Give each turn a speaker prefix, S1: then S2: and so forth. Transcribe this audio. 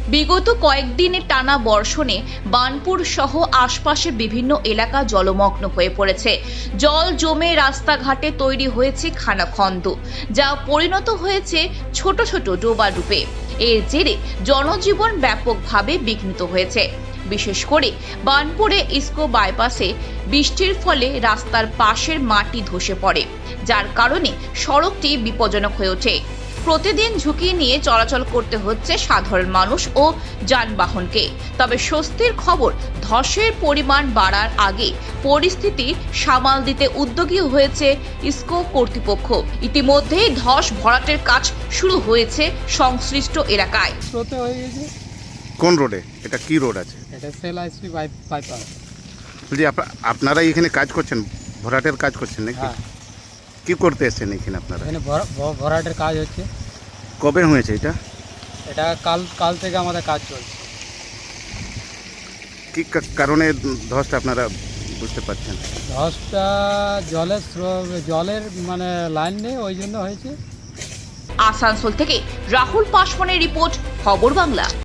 S1: বিগত কয়েকদিনের টানা বর্ষণে বার্নপুর সহ আশপাশের বিভিন্ন এলাকা জলমগ্ন হয়ে পড়েছে। জল জমে রাস্তাঘাটে তৈরি হয়েছে খানাখন্দ, যা পরিণত হয়েছে ছোট ছোট ডোবাডুবে। এর জেরে জনজীবন ব্যাপকভাবে বিঘ্নিত হয়েছে। বিশেষ করে বার্নপুরে ইস্কো বাইপাসে বৃষ্টির ফলে রাস্তার পাশের মাটি ধসে পড়ে, যার কারণে সড়কটি বিপজ্জনক হয়ে ওঠে। প্রতিদিন ঝুঁকি নিয়ে চলাচল করতে হচ্ছে সাধারণ মানুষ ও যানবাহনকে। তবে স্বস্তির খবর, ধসের পরিমাণ বাড়ার আগে পরিস্থিতি সামাল দিতে উদ্যোগী হয়েছে ইস্কো কর্তৃপক্ষ। ইতিমধ্যেই ধস ভরাটের কাজ শুরু হয়েছে সংশ্লিষ্ট এলাকায়।
S2: স্রোতে হয়ে গেছে।
S3: কোন রোডে? এটা কি রোড আছে?
S2: এটা সেল আইসপি বাইপাস।
S3: বলছি আপনারা এখানে কাজ করছেন, ভরাটের কাজ করছেন নাকি?
S2: হ্যাঁ,
S3: কি করতে এসেছেন এখানে আপনারা?
S2: এখানে ভরাটের কাজ হচ্ছে।
S3: কবে হয়েছে এটা?
S2: এটা কাল থেকে আমাদের কাজ চলছে।
S3: কি কারণে ধসটা আপনারা বুঝতে পারছেন?
S2: ধসটা জলের মানে লাইন নেই, ওই জন্য হয়েছে।
S1: আসানসোল থেকে রাহুল পাসওয়ানের রিপোর্ট, খবর বাংলা।